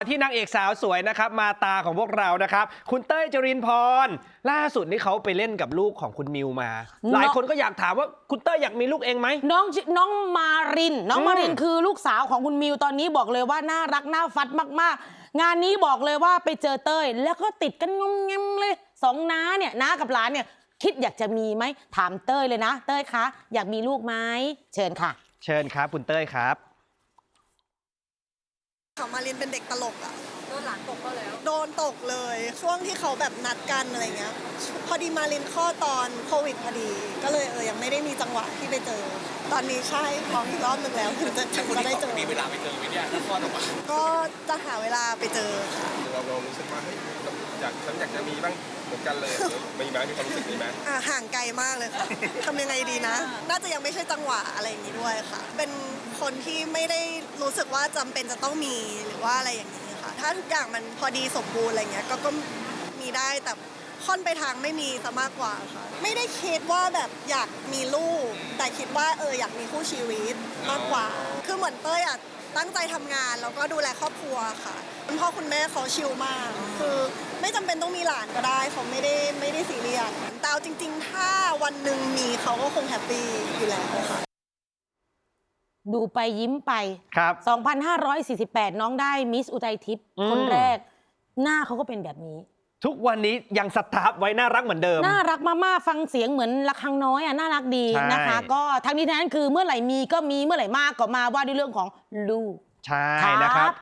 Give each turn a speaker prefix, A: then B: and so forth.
A: ที่นางเอกสาวสวยนะครับมาตาของพวกเรานะครับคุณเต้ยจรินพรล่าสุดนี่เขาไปเล่นกับลูกของคุณมิวมา หลายคนก็อยากถามว่าคุณเต้ยอยากมีลูกเองไหม
B: น้องมารินคือลูกสาวของคุณมิวตอนนี้บอกเลยว่าน่ารักน่าฟัดมากๆงานนี้บอกเลยว่าไปเจอเต้ยแล้วก็ติดกันงมแงมเลยสองน้าเนี่ยน้ากับหลานเนี่ยคิดอยากจะมีไหมถามเต้ยเลยนะเต้ยคะอยากมีลูกไหมเชิญค่ะ
A: เชิญครับคุณเต้ยครับ
C: เขามารินเป็นเด็กตลกอ่ะ
D: โดนหลานตกก็แล้ว
C: โดนตกเลยช่วงที่เขาแบบนัดกันอะไรเงี้ยพอดีมารินข้อตอนโควิดพอดีก็เลยยังไม่ได้มีจังหวะที่ไปเจอตอนนี้ใช่ท้องอีกรอบนึงแล้วถึงจะได้เจอ
E: มีเวลาไปเจอไหมเนี่ยถ้าคลอดออกมา
C: ก็จะหาเวลาไปเจอค่ะ
E: เรารู้สึกว่าเฮ้ยฉันอยากจะมีบ้างเหมือนกันเลยมีไหมมีความรู้สึกนี้ไหม
C: ห่างไกลมากเลยค่ะทำยังไงดีนะน่าจะยังไม่ใช่จังหวะอะไรอย่างนี้ด้วยค่ะเป็นคนที่ไม่ได้รู้สึกว่าจำเป็นจะต้องมีหรือว่าอะไรอย่างนี้ค่ะถ้าทุกอย่างมันพอดีสมบูรณ์อะไรเงี้ยก็มีได้แต่ค่อนไปทางไม่มีซะมากกว่าค่ะไม่ได้คิดว่าแบบอยากมีลูกแต่คิดว่าอยากมีคู่ชีวิตมากกว่าคือเหมือนเต้ยตั้งใจทำงานแล้วก็ดูแลครอบครัวค่ะคุณพ่อคุณแม่เขาชิลมากคือไม่จำเป็นต้องมีหลานก็ได้เขาไม่ได้ซีเรียสแต่เอาจริงๆถ้าวันหนึ่งมีเขาก็คงแฮปปี้อยู่แล้วค่ะ
B: ดูไปยิ้มไป
A: ครับ
B: 2548น้องได้มิสอุทัยทิพย์คนแรกหน้าเขาก็เป็นแบบนี้
A: ทุกวันนี้ยังสตาร์ฟไว้น่ารักเหมือนเดิม
B: น่ารักมากๆฟังเสียงเหมือนระฆังน้อยน่ารักดีนะคะก็ทั้งนี้ทั้งนั้นคือเมื่อไหร่มีก็มีเมื่อไหร่มากก็มาว่าด้วยเรื่องของลูก
A: ใช่นะครับ